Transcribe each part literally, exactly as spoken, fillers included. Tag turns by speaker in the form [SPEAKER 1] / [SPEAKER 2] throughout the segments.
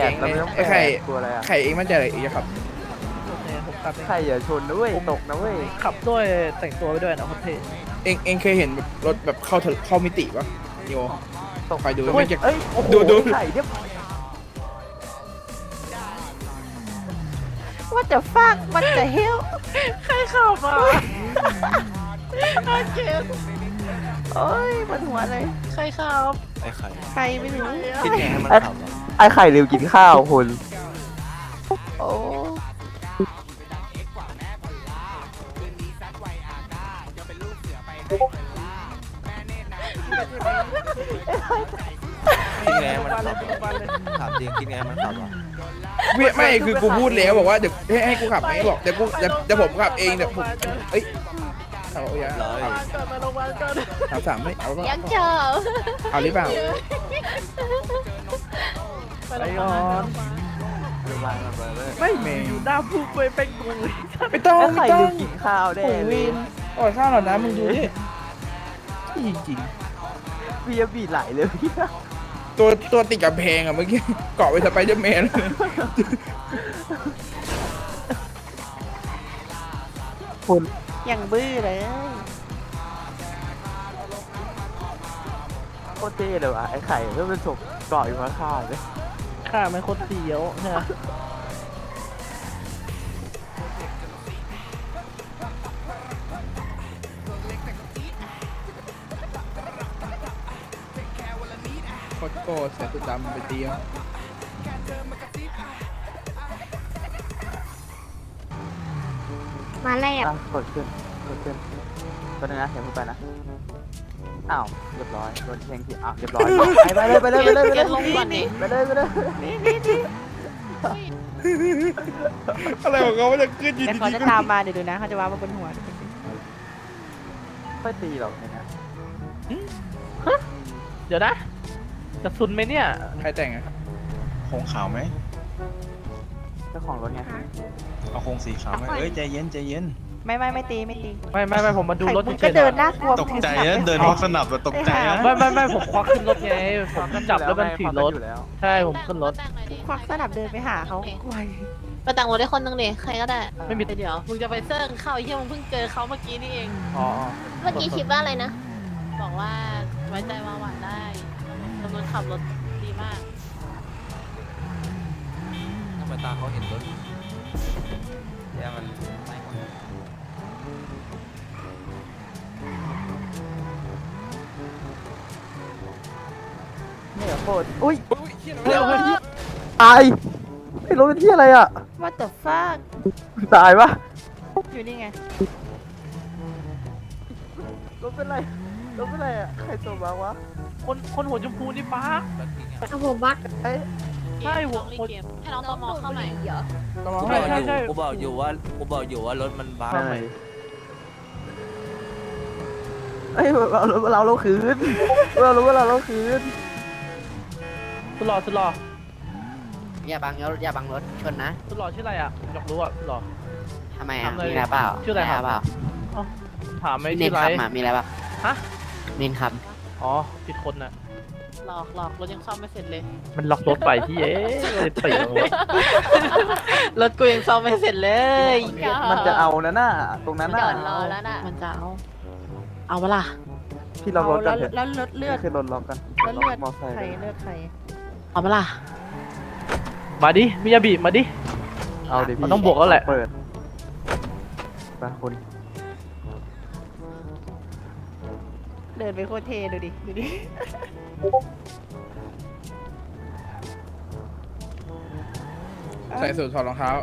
[SPEAKER 1] องไงไอ้ไข่ไข่เองมั่นใจอะไรเองจะขับ
[SPEAKER 2] โอเคผมขับเอง
[SPEAKER 3] ใครอย่าชนนะเว้ยตกนะเว้ย
[SPEAKER 2] ขับด้วยแต่งตัวไปด้วยนะโคตรเท่
[SPEAKER 1] เองเองเคยเห็นแบบรถแบบเข้าทะเข้ามิติปะโย
[SPEAKER 3] ตก
[SPEAKER 1] ไปดู
[SPEAKER 3] เฮ้
[SPEAKER 1] ไม่
[SPEAKER 3] ย
[SPEAKER 1] จะ
[SPEAKER 3] เอ้ยโอ้โห
[SPEAKER 1] ดูดู
[SPEAKER 3] ไข่เนี่ย
[SPEAKER 4] ว่าจะฟักมันจะเฮล
[SPEAKER 2] ใครขับอ่ะโอเค
[SPEAKER 4] โอ้ยมันหัวเลย
[SPEAKER 2] ใครขับ
[SPEAKER 5] ไอ้ไข่
[SPEAKER 4] ใครไม่รู้
[SPEAKER 5] คิดไงให้มันขับอะ
[SPEAKER 3] ไอ้ไข่ลืมกินข้าวคุณ
[SPEAKER 4] โอ้
[SPEAKER 5] คิดไงให้มันขับอะถามจริงคิดไงให้มันขับอ่ะ
[SPEAKER 1] ไม่ไม่คือกูพูดแล้วบอกว่าเดี๋ยวให้ให้กูขับไหมบอกเดี๋ยวกูเดี๋ยวเดี๋ยวผมขับเองเดี๋ยวผมเอ้ยเอาเอาอย่า
[SPEAKER 5] ร้อย
[SPEAKER 2] ก่อนมาโรงพยาบาลก่อน
[SPEAKER 1] ถามสามไม่เอาปะ
[SPEAKER 4] ยังเจอ
[SPEAKER 1] เอาหรือเปล่า
[SPEAKER 2] ไปก่อน
[SPEAKER 1] ไม่เมง
[SPEAKER 2] อยู่หน้าผู้ไปเป็นกูเลย
[SPEAKER 1] ไม่ต้อง
[SPEAKER 3] ไอ้
[SPEAKER 1] ไม่
[SPEAKER 3] ไข่
[SPEAKER 1] ต้อ
[SPEAKER 3] ลื
[SPEAKER 1] ง
[SPEAKER 3] มกินข้าวแน่
[SPEAKER 1] โอ้
[SPEAKER 3] เลย
[SPEAKER 1] วินก่อนข้าวหน่อยนะมึงดูดิจริง
[SPEAKER 3] เบียร์บีดไหลเลยพี่
[SPEAKER 1] ๆตัวตัวติดกับแพงอะเมื่อกี้เกาะไปสไปเดอร์แมน
[SPEAKER 3] คุณ
[SPEAKER 4] ยังบื้อเลย
[SPEAKER 3] โคตรเท่เลยว่ะไอ้ไข่ก็เป็นศพเกาะอยู่ข้างๆเลย
[SPEAKER 2] ข้ามันโคตรเสียวใช่ไหม
[SPEAKER 1] โคตรโก้เสียสุดดำไปเตียว
[SPEAKER 4] มาแล้ว
[SPEAKER 3] อ่ะกดขึ้นกดขึ้นตัวนึงนะเห็นพูดไปนะอ้าวเรียบร้อยโดนแทงที่อ้าวเรียบร้อยไปเลยไปเลยไปเลยไปเลย
[SPEAKER 4] ลงก่อนดิ
[SPEAKER 3] ไปเลยไปเลย
[SPEAKER 1] อะไรของเขาว่าจะขึ้นอยืน
[SPEAKER 4] แต่
[SPEAKER 1] ดี
[SPEAKER 4] เขาจะ
[SPEAKER 1] ๆ
[SPEAKER 4] ตามมาเดี๋ยวดูนะเขาจะว่ามาบนหัว
[SPEAKER 3] ค่อยตีหรอกเนี่ยนะ
[SPEAKER 2] เดี๋ยวนะจะซุนไหมเนี่ย
[SPEAKER 1] ใครแต่งอะ
[SPEAKER 5] โครงขาวไหม
[SPEAKER 3] เจ้าของรถไง
[SPEAKER 5] เอาโครงสีขาวไหมเอ้ยใจเย็นใจเย็น
[SPEAKER 4] ไม่ไม่ไม่ตีไม่ตี
[SPEAKER 2] ไม่ไม่ไม่ผมมาดู
[SPEAKER 4] ไข่
[SPEAKER 2] รถ
[SPEAKER 4] มุก
[SPEAKER 2] เฉ
[SPEAKER 4] ก็
[SPEAKER 2] ยๆ
[SPEAKER 4] เดิน
[SPEAKER 2] นะ
[SPEAKER 4] น่ากลัว
[SPEAKER 5] ตกใจนะเดินพอกสนับแบบตกใจนะ
[SPEAKER 2] ไม่ไม่ไม่ผมควักขึ้นรถไงผมจับแล้วมันถือรถ
[SPEAKER 3] อยู่แล้ว
[SPEAKER 2] ใช่ผมขึ้นรถ
[SPEAKER 4] ควักสนับเดินไปหาเขากลัว
[SPEAKER 6] ไปแต่งรถได้คนนึงดิใครก็ได้
[SPEAKER 2] ไม่มี
[SPEAKER 6] เดี๋ยวมึงจะไปเซิร์งเข้าไอ้เหี้ยมึงเพิ่งเจอเขาเมื่อกี้นี่เอง
[SPEAKER 2] อ๋อ
[SPEAKER 6] เมื่อกี้คิดว่าอะไรนะ บอกว่าไว้ใจวางหวานได้จำนวนขับรถดีมาก
[SPEAKER 5] ทำไมตาเขาเห็นรถเนี่ยมันไม่หมด
[SPEAKER 3] เนี่ยโคตรอุ้ย
[SPEAKER 1] เฮ้ยเฮ้ย
[SPEAKER 3] ตายไอ้รถเป็นที่อะไรอ่ะ
[SPEAKER 4] ว่าแต่ฟัก
[SPEAKER 3] ตายปะ
[SPEAKER 4] อยู่นี่ไง
[SPEAKER 3] รถเป็นไรรถเป็นไรอ่ะใครตัวบ้างวะ
[SPEAKER 2] คนคนหัวชมพูนี่ป้า
[SPEAKER 4] เอาผมบัก
[SPEAKER 3] เอ้ย
[SPEAKER 2] ใช่หัว
[SPEAKER 6] เกมเกมให้น้องตอมอเข้าใหม่
[SPEAKER 1] ต้องมา
[SPEAKER 5] กู
[SPEAKER 1] ให้
[SPEAKER 5] บอกอ
[SPEAKER 2] ใช่
[SPEAKER 5] ยู่กูบอกอยู่ว่ากูบอกอยู่ว่ารถมันบ้า
[SPEAKER 3] ใช่เอ้ยเราเราเราเราคืนเรารู้ว่าเราเราคืน
[SPEAKER 2] สุดหล่อสุดหล่อ
[SPEAKER 7] อย่าบังรถอย่าบังรถชนนะ
[SPEAKER 2] สุดหล่อชื่ออะไรอ่ะอยากรู้อ่ะสุดหล่อ
[SPEAKER 7] ทำไมอ่ะ
[SPEAKER 2] ทำเลย
[SPEAKER 7] มีอะไรเปล่า
[SPEAKER 2] ชื่ออะไรครับ
[SPEAKER 7] มีเปล่า
[SPEAKER 2] ถามไม่
[SPEAKER 7] เน้
[SPEAKER 2] ชื่
[SPEAKER 7] น
[SPEAKER 2] ออะไร
[SPEAKER 7] คำอ่ะมีอะไรเปล่า
[SPEAKER 2] ฮะ
[SPEAKER 7] เน้นค
[SPEAKER 2] อ๋อผิดคนน่ะ
[SPEAKER 6] หลอกหลอกรถยังซ่อมไม่เสร็จเลย
[SPEAKER 2] มันล็อกรถไปพี่เอ๊ะเลยตีลงรถ
[SPEAKER 6] รถกูยังซ่อมไม่เสร็จเลย
[SPEAKER 3] มันจะเอานะน่ะตรงนั้น
[SPEAKER 6] จ
[SPEAKER 3] น่ะ
[SPEAKER 6] อดรอแล้วน่ะมันจะเอาเอาเวล่ะ
[SPEAKER 3] พี่ล็อกรถกั
[SPEAKER 4] แล้
[SPEAKER 3] น
[SPEAKER 4] ว
[SPEAKER 3] เถอะ
[SPEAKER 4] แล้วรถเลือด
[SPEAKER 3] ขึ้นรถล็อกกัน
[SPEAKER 4] แล้วเลือด
[SPEAKER 3] มอไซค์
[SPEAKER 4] ใครเลือดใคร
[SPEAKER 6] เอาเวล่ะ
[SPEAKER 2] มาดิมิยาบิมาดิ
[SPEAKER 3] เอาดิพี่
[SPEAKER 2] มันต้องบวกแล้วแหละ
[SPEAKER 3] เปิดไปคุณ
[SPEAKER 4] เดินไปโคตรเท่ดูดิดูดิ
[SPEAKER 1] ใส่สูทถอดรองเท้า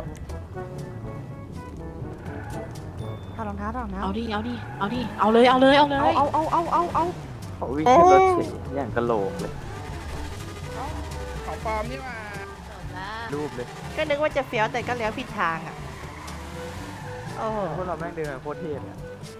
[SPEAKER 4] ถอดรองเท้าถอดรองเท้า
[SPEAKER 6] เอาดิเอาดิเอาดิเอาเลยเอาเลยเอาเลย
[SPEAKER 4] เอาเอาเอาเอาเอาเอา
[SPEAKER 3] เขาวิ่งขึ้นรถเฉยอย่างกะโหลกเลย
[SPEAKER 1] ของปลอมนี่มา
[SPEAKER 6] จบแล้ว
[SPEAKER 3] รูปเลย
[SPEAKER 4] ก็นึกว่าจะเฟี้ยวแต่ก็เลี้ยวผิดทางอ่ะโอ้โห
[SPEAKER 3] พวกเราแม่งเดินโคตรเท่เลย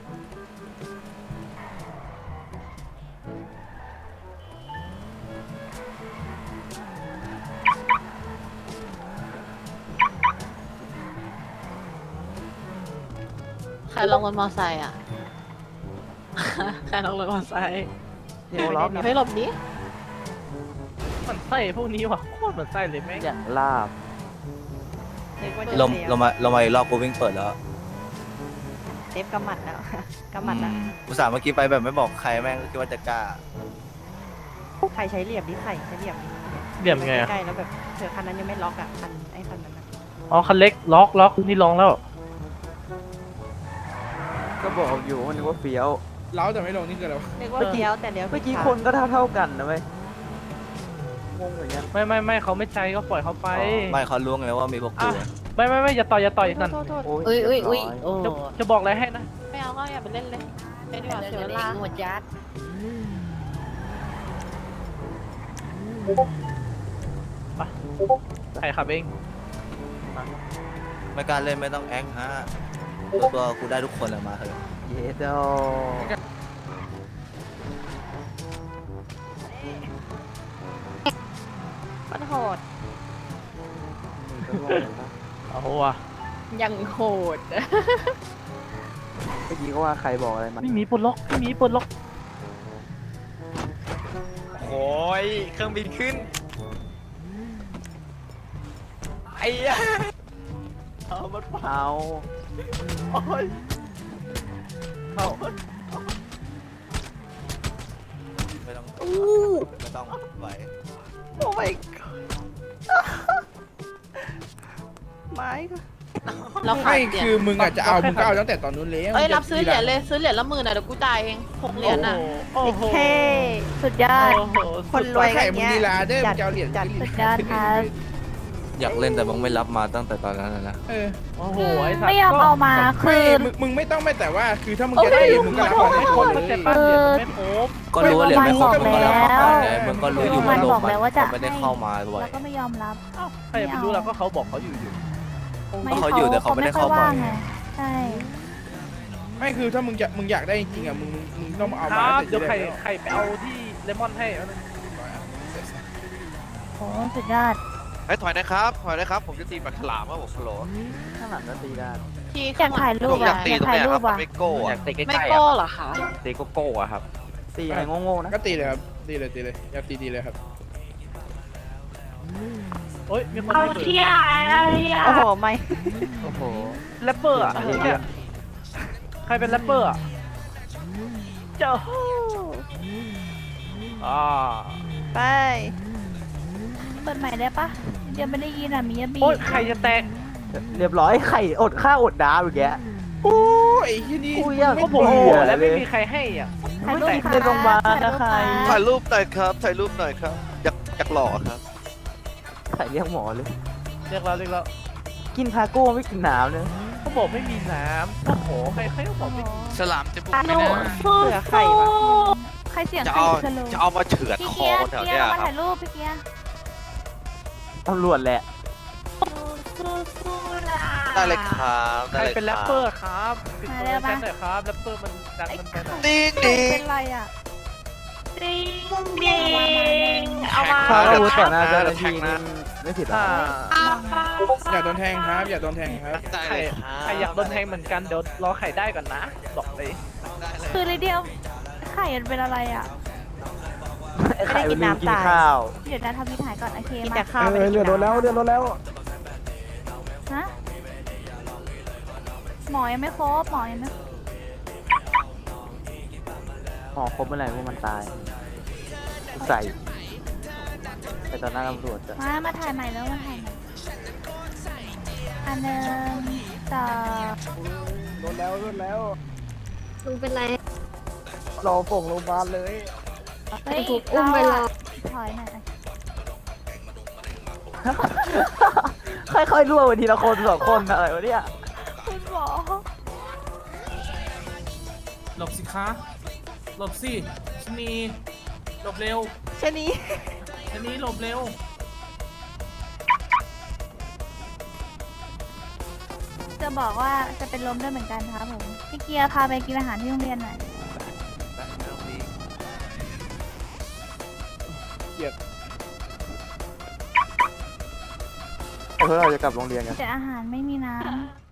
[SPEAKER 6] ใครลงรถมอไซค์อ่ะ ใครลงรถมอไซค์
[SPEAKER 3] เดี๋ยวล็อกนะ
[SPEAKER 6] เฮ้ยหลบนี้
[SPEAKER 2] มันใส่พวกนี้ว่ะโคตรเหมือนไส้เลยแม่ง
[SPEAKER 3] อย่างลาบ
[SPEAKER 4] นึกว่าจะ
[SPEAKER 5] ลม
[SPEAKER 4] เซฟ
[SPEAKER 5] ลงมาลงมาอีกรอบกูวิ่งเปิดแล้ว
[SPEAKER 4] เซฟกำหมัดแล้ว กำหมัดแล้ว
[SPEAKER 5] อุตส่าห์เมื่อกี้ไปแบบไม่บอกใครแม่งก็คิดว่าจะกล้า
[SPEAKER 4] ใครใช้เหลี่ยมดิใครใช้เหลี่ยมดิ
[SPEAKER 2] เหลี่ยมไงอะ
[SPEAKER 4] ใกล้ๆแล้วแบบเธอคันนั้นยังไม่ล็อกอ่ะคันไอ้คันนั้นอะ
[SPEAKER 2] อ๋อคันเล็กล็อกล็อกนี่ลองแล้ว
[SPEAKER 3] ก็บอกอยู่ว่านึกว่าเฟี้ยว
[SPEAKER 1] เล้าแต่ไม่ลงนี่คืออะไรวะ
[SPEAKER 4] นึกว่าเลี้ยวแต่เลี้ยว
[SPEAKER 3] เมื่อกี้
[SPEAKER 4] ผิดทาง
[SPEAKER 3] คนก็เท่าเท่าๆกันนะเว้ยงงอย่างเงี้ย
[SPEAKER 2] ไม่ไม่ไม่เขาไม่ใช้ก็ปล่อยเขาไป
[SPEAKER 5] ไม่เขารู้ไงว่ามีพวกกู
[SPEAKER 2] อ่ะ ไม่ไม่ไม่อย่าต่อยอย่าต่อยนั่น
[SPEAKER 4] โทษโทษโทษ
[SPEAKER 3] โอ้ย
[SPEAKER 7] อุ้ยอุ้ยอุ้ย
[SPEAKER 3] เรีบร้
[SPEAKER 7] โอ้
[SPEAKER 2] จะจะบอกอะไรให้นะ
[SPEAKER 6] ไม่เอาก็อย่าไปเล่นเลยไปดีกว่าเสียเวลา
[SPEAKER 7] หมดยัด
[SPEAKER 2] ใครขับเอง
[SPEAKER 5] ไม่กล้าเล่นไม่ต้องแอคฮะตัวกูได้ทุกคนเลยมาเถอะ
[SPEAKER 3] เยโด
[SPEAKER 4] มันโหด
[SPEAKER 2] โอ้โหว่ะ
[SPEAKER 6] ยังโหด
[SPEAKER 3] เมื่อกี้ก็ว่าใครบอกอะไรมา
[SPEAKER 2] พี่หมีปลดล็อกพี่หมีปลดล็อก
[SPEAKER 5] โอ้ยเครื่องบินขึ้นไอ้ย
[SPEAKER 2] เอามัน
[SPEAKER 3] เอา
[SPEAKER 2] โอ้ยเอา
[SPEAKER 5] ไม่ต้องไม่ต้องไหว
[SPEAKER 4] โอ้ยไม้ก็
[SPEAKER 6] เราขา
[SPEAKER 1] ไม่
[SPEAKER 6] ดเหรียญ
[SPEAKER 1] คือมึงอาจจะเอามึงก็เอาตั้งแต่ตอนนู้นแล้ว
[SPEAKER 6] เอ้ยรับซื้อเหรียญเลยซื้อเหรียญละหมื่นอ่ะเดี๋ยวกูจ่ายเองหกเหรียญอ่ะ
[SPEAKER 2] โอ้โห
[SPEAKER 4] เท่สุดยอด
[SPEAKER 2] โอ้โห
[SPEAKER 4] คนรวย
[SPEAKER 1] ไข่มึงดีลาเด้อมึ
[SPEAKER 4] จั
[SPEAKER 1] งจะเอาเหรียญ
[SPEAKER 4] จัด
[SPEAKER 1] ขึ้น
[SPEAKER 4] สุดยอดครับ
[SPEAKER 5] อยากเล่นแต่มึงไม่รับมาตั้งแต่ตอนนั้นนะ
[SPEAKER 1] เออ
[SPEAKER 2] โอ้โหไอ้สัตว์
[SPEAKER 8] ไม่ยอมเอามา
[SPEAKER 1] ไม่
[SPEAKER 8] คือ
[SPEAKER 1] มึงมึงไม่ต้องไม่แต่ว่าคือถ้ามึงจะได้เหรียญมึงก็รับมา
[SPEAKER 2] ไม่
[SPEAKER 1] ให้
[SPEAKER 2] ค
[SPEAKER 1] คน น
[SPEAKER 2] เข้า
[SPEAKER 1] เล
[SPEAKER 2] ใจ
[SPEAKER 1] ย
[SPEAKER 2] ป้ะเหรียญมันไม่ครบ
[SPEAKER 5] ก็รู้ว่าเหรียญไม่ครบ
[SPEAKER 8] บอก
[SPEAKER 5] มึงก็รับมา
[SPEAKER 8] แล้ว
[SPEAKER 5] ก่อนไงมึงก็รู้อยู่
[SPEAKER 8] มั
[SPEAKER 5] ว่าน โล
[SPEAKER 8] บอก
[SPEAKER 5] ก
[SPEAKER 8] แล้วว่าจะ
[SPEAKER 5] ไม่ได้เข้ามาบ่อย
[SPEAKER 8] แล้วก็ไม่ยอมรับ
[SPEAKER 2] เอ้าใครจะไปรู้ล่ะก็เขาบอกเขาอยู่อยู่
[SPEAKER 8] ไม่
[SPEAKER 5] ก็เขาอยู่แต่เขาไม่ได้เข้าบ่อย
[SPEAKER 8] ไงใช่
[SPEAKER 1] ไม่คือถ้ามึงจะมึงอยากได้จริงๆอ่ะมึงมึงมึงต้องเอา
[SPEAKER 2] ค
[SPEAKER 1] มา
[SPEAKER 2] รับ
[SPEAKER 1] แต่
[SPEAKER 2] เดี๋ยว
[SPEAKER 1] ที่
[SPEAKER 2] ใคร
[SPEAKER 1] แรกแล้ว
[SPEAKER 2] ใครไปเอาที่เลมอนให้เอา
[SPEAKER 8] โหสุดยอด
[SPEAKER 9] ให้ถอยนะครับถอยนะครับ ผมจะตีปากฉลามว่าผมโหล
[SPEAKER 3] ข้างหลังก็ตีได้
[SPEAKER 6] ที่
[SPEAKER 8] อยากถ่ายรู
[SPEAKER 9] ผ
[SPEAKER 8] ป
[SPEAKER 9] มอยา
[SPEAKER 8] อ่ะ
[SPEAKER 9] กตี
[SPEAKER 8] อยาก
[SPEAKER 9] ตรง
[SPEAKER 8] ถ่าย
[SPEAKER 9] เนี้ย
[SPEAKER 8] รู
[SPEAKER 9] ครับ
[SPEAKER 8] ปอ่ะ
[SPEAKER 9] ไม่โก้อะ
[SPEAKER 6] ไม่โก้เหรอคะ
[SPEAKER 9] ตีโก้อะครับ
[SPEAKER 3] ตีอะไรโง่ๆนะ
[SPEAKER 1] ก็ตีเลยครับตีเลยตีเลยอยากตีตีเลยครับ
[SPEAKER 2] โอ้ยมีคน
[SPEAKER 8] เอา
[SPEAKER 2] มีปืน
[SPEAKER 8] เที่ยเอาเที่ย
[SPEAKER 4] โอ้โหไม่
[SPEAKER 3] โอ้โห
[SPEAKER 2] แรปเปอร์อ่ะเนี่ยใครเป็นแรปเปอร์อ่ะเจ้าอ่า
[SPEAKER 4] ไป
[SPEAKER 8] เปิดใหม่ได้ปะยังไม่ได้ยินอ่ะมียบี
[SPEAKER 2] โอ้ยใครจะแตก
[SPEAKER 3] เรียบร้อยไข่อดข้าวอดน้ำอย่างเงี้ย
[SPEAKER 1] โอ้ยไอ้ที่นี่
[SPEAKER 3] กูยัง
[SPEAKER 1] ไม่
[SPEAKER 2] ก็ผม
[SPEAKER 3] เบื่
[SPEAKER 2] โอ้
[SPEAKER 3] อ
[SPEAKER 2] แล้วไม่
[SPEAKER 3] เลย
[SPEAKER 2] มีใครให้อ่ะ
[SPEAKER 8] ถ่ายรูป
[SPEAKER 3] ไม่ได้ลงมานะใคร
[SPEAKER 9] ถ่ายรูปหน่อยครับ ถ่ายรูปหน่อยครับ อยากอยากหล่อครับ
[SPEAKER 3] ไข่เรียกหมอเลย
[SPEAKER 2] เรียกเราเรียกเรา
[SPEAKER 3] กินคาโก้ไม่กินน้ำเลย
[SPEAKER 2] เขาบอกไม่มีน้ำโอ้โหใครใครก็บอกไม่มี
[SPEAKER 9] ฉลามจะบุก
[SPEAKER 8] อ่ะ
[SPEAKER 9] ไป
[SPEAKER 8] หนู
[SPEAKER 9] นะ
[SPEAKER 4] เผื่อไข่ปะ
[SPEAKER 8] ใครเสียง
[SPEAKER 9] จะ
[SPEAKER 8] ใคร
[SPEAKER 9] เอา
[SPEAKER 8] สโลว์
[SPEAKER 9] จะเอามาเฉือด
[SPEAKER 8] พี่
[SPEAKER 9] ค
[SPEAKER 8] เกี
[SPEAKER 9] อย
[SPEAKER 8] ร์
[SPEAKER 9] คนแถว
[SPEAKER 8] เกีย
[SPEAKER 9] เนี้
[SPEAKER 8] ร์
[SPEAKER 9] ย
[SPEAKER 8] มา
[SPEAKER 9] ครั
[SPEAKER 8] ถ่า
[SPEAKER 9] บ
[SPEAKER 8] ยรูปพี่เกียร์
[SPEAKER 3] ตำรวจแหละ
[SPEAKER 9] ได้เลยครับ
[SPEAKER 2] ใคร
[SPEAKER 9] ได้เลย
[SPEAKER 2] เป็นแรป
[SPEAKER 9] ค
[SPEAKER 2] เปอ
[SPEAKER 9] รับ
[SPEAKER 2] ร์ครับปิดตัวแทนหน่อยครับแรปเปอร์มันดังมันไปหน่อย
[SPEAKER 9] ดิ้ง
[SPEAKER 8] ใคร
[SPEAKER 9] ดิ้ง
[SPEAKER 8] เป็นไรอ่ะดิงดิงเอามา
[SPEAKER 3] ถ้าอาวุธต่อหน้า
[SPEAKER 9] เดี๋
[SPEAKER 3] เจ้า
[SPEAKER 9] ยว
[SPEAKER 3] หน้าที่
[SPEAKER 9] แทงนะ
[SPEAKER 3] นี่ไม่ผิดหรอ
[SPEAKER 2] อ่า
[SPEAKER 1] อย่าโดนแทงครับอย่าโดนแทงครับ
[SPEAKER 9] ได้
[SPEAKER 2] ใคร
[SPEAKER 9] เลยครับ
[SPEAKER 2] ใครอยากโดนแทงเหมือนกันเดี๋ยวรอไข่ได้ก่อนนะบอกเลย
[SPEAKER 9] ได้เลย
[SPEAKER 8] คือเลยเดียวไข่มันเป็นอะไรอ่ะ
[SPEAKER 3] ไอ้ไข่มันลืมกินข้าว
[SPEAKER 8] เดี๋ยวนะทำวิถ่ายก่อนโอเค
[SPEAKER 4] กิน
[SPEAKER 8] มา
[SPEAKER 4] แต่ข้าวไม่
[SPEAKER 3] เอ
[SPEAKER 4] ได้
[SPEAKER 3] อเรือโดนแล้วเรือโดนแล้ว
[SPEAKER 8] ฮะหมอยังไม่ครบหมอยังไม่
[SPEAKER 3] หมอครบเมื่อไหร่พวกมันตายใส่ไปต่อหน้าตำรวจจะ
[SPEAKER 8] มามาถ่ายใหม่แล้วมาถ่ายใหม่อันหนึ่งสอง
[SPEAKER 3] โดนแล้วโดนแล้ว
[SPEAKER 6] ลุงเป็นไร
[SPEAKER 3] รอส่งโรงพยาบาลเลย
[SPEAKER 8] เฮ้ย
[SPEAKER 6] ถูกอุ้มไปแล้ว
[SPEAKER 8] ถอยหน่อย
[SPEAKER 3] ค่อยๆรั่วไปทีละคนสองคนอะไรวะเนี่ย
[SPEAKER 8] คุณหมอ
[SPEAKER 10] หลบสิคะหลบสิชะนีหลบเร็ว
[SPEAKER 4] ชะนี
[SPEAKER 10] ชะนีหลบเร็ว
[SPEAKER 8] จะบอกว่าจะเป็นลมด้วยเหมือนกันครับผมพี่เกียร์พาไปกินอาหารที่โรงเรียนหน่อย
[SPEAKER 3] เพื่อเราจะกลับโรงเรียนกัน
[SPEAKER 8] แต่อาหารไม่มีน้ำ